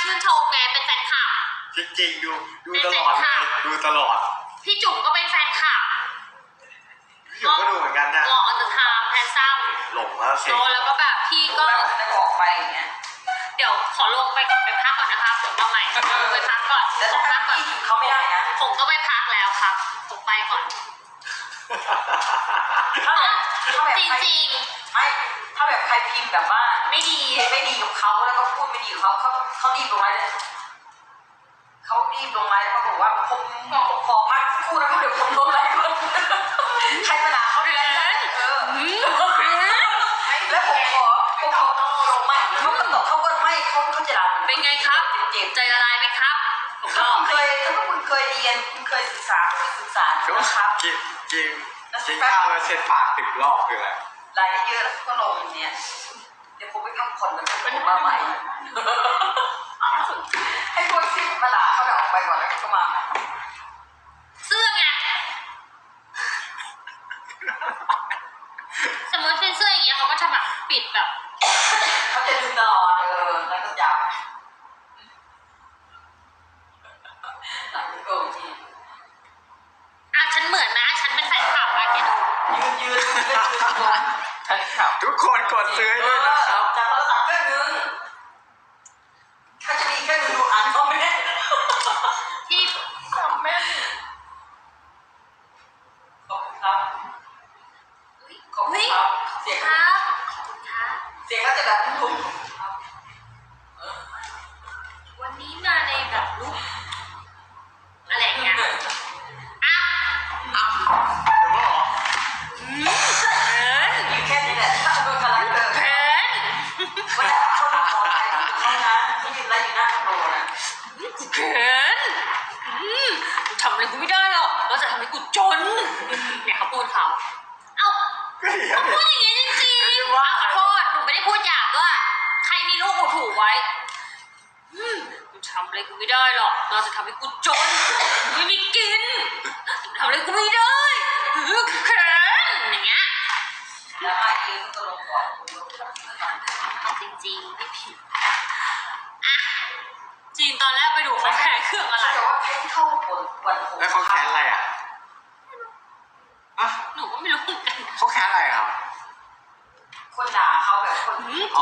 ชื่นชมไงเป็นแฟนคลับจริงๆดูตลอดเลยดูตลอดพี่จุ๋มก็เป็นแฟนคลับพี่จุ๋มก็ดูเหมือนกันนะหล่ออันเดอร์ไทม์แฮนซัมหลงแล้วสิแล้วก็แบบพี่ก็ออกไปอย่างเงี้ยเดี๋ยวขอลงไปก่อนไปพักก่อนนะคะผมมาใหม่ไปพักก่อนแล้วถ้าพักก่อนเขาไม่ได้นะผมก็ไปพักแล้วครับผมไปก่อนจริงๆไม่ถ้าแบบใครพิมพ์แบบว่าไม่ดีกับเขาแล้วก็พูดไม่ดีกับเขารีบลงไลน์เลยเขารีบลงไลน์แล้วเขาบอกว่าผมขอพักคู่นะเดี๋ยวผมลงไลน์ก่อนใครมาด่าเขาเลยแล้วผมขอลงใหม่เขาก็ตอบเขาก็ไม่เขาจะด่าเป็นไงครับใจละลายไหมครับถ้าคุณเคยเรียนคุณเคยศึกษานะครับกินข้าวแล้วเช็ดปาก10 รอบคืออะไรรายเยอะแล้วก็ลงเนี่ยเดี๋ยวผมไปทำคอนเป็นมาใหม่ให้พวกที่มาด่าเขาออกไปก่อนแล้วก็มาเสื้อไงสมมติเป็นเสื้ออย่างเงี้ยเขาก็จะแบบปิดแบบเขาจะดึงตลอดแล้วก็จับหลังโกงทีฉันเหมือนนะฉันเป็นแฟนคลับอะแกดูยืนแฟนคลับทุกคนกดซื้อด้วยนะครับจากโทรศัพท์เครื่องนึงถ้าจะมีเครื่องนึงดูอ่านคอมเมนต์ที่คอมเมนต์ขอบคุณครับขอบคุณครับเสียงก็จะแบบทุกวันนี้มาในแบบลุกอะไรเงี้ยอยู่แค่นี้แหละถ้าโดนคาแรคเตอร์วันนี้คนขอไปเขานะเขายืนไล่อยู่หน้าคอนโดนะทำอะไรกูไม่ได้หรอกเราจะทำให้กูจนเนี่ยเขาพูดเขาเขาพูดอย่างนี้จริงๆขอโทษหนูไม่ได้พูดหยาบด้วยใครมีลูกกูถูกไว้กูทำอะไรกูไม่ได้หรอกเราจะทำให้กูจนไม่มีกินทำอะไรกูไม่ได้แค้นอย่างเงี้ยแล้วมาเองก็ลงก่อนจริงๆไม่ผิดจริงตอนแรกไปดูเขาแพ้เครื่องอะไรแต่ว่าแพ้ที่เข้าวันแล้วเขาแค้นอะไรหนูก็ไม่รู้เหมือนกันเขาแค้นอะไรครับคนด่าเขาแบบคน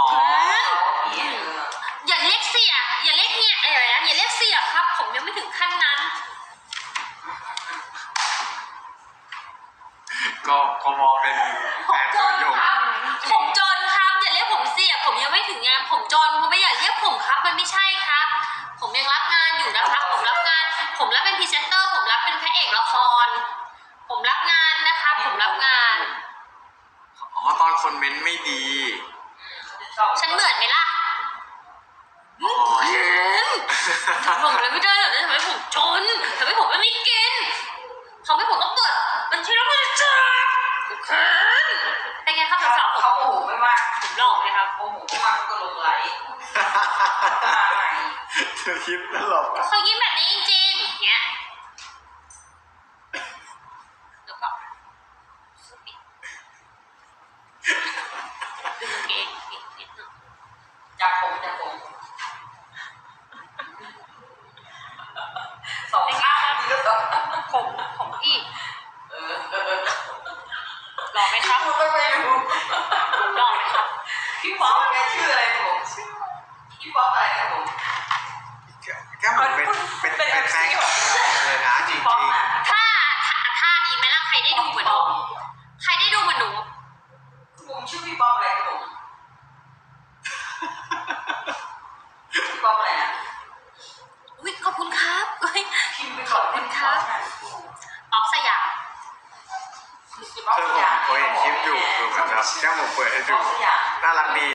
อย่าเรียกเสียอย่าเรียกเนี่ยอะไรนะอย่าเรียกเสียครับผมยังไม่ถึงขั้นนั้นก็มองเป็นแฟนตัวยงผมจนครับอย่าเรียกผมเสียผมยังไม่ถึงงานผมจนผมไม่อยากเรียกผมครับมันไม่ใช่ครับผมยังรับงานอยู่นะครับผมรับเป็นพรีเซนเตอร์ผมรับเป็นพระเอกละครผมรับงานนะคะผมรับงานตอนคนเม้นไม่ดีฉันเหมือนไหมล่ะผมเลยไม่ได้หรอกทำไมผมจนทำไมผมไม่มีกินทำให้ผมต้องเปิดบัญชีแล้วมันจะจับเป็นไงครับสาวเขาโมโหไม่มากผมหลอกเลยครับโมโหไม่มากก็ลงไหลมาใหม่เธอคิดตลกเขายิ้มแบบนี้จริงๆเงี้ยแล้วก็ดึงเองนิดนึงจับผมสองข้างนี่ก็ผมพี่หลอกไหมครับไม่รู้หลอกไหมครับพี่ป๊อปแกชื่ออะไรนะผมพี่ป๊อปอะไรนะผมก็เหมือนเป็นแฟนเลยนะจริงๆถ้าดีไหมล่ะใครได้ดูเหมือนหนูผมชื่อพี่ป๊อปอะไรนะผมพี่ป๊อปอะไรนะอุ้ยขอบคุณครับพิมพ์ไปขอบคุณครับป๊อปสยามผมเห็นคลิปอยู่คือแบบแค่ผมเปิดให้ดูน่ารักดี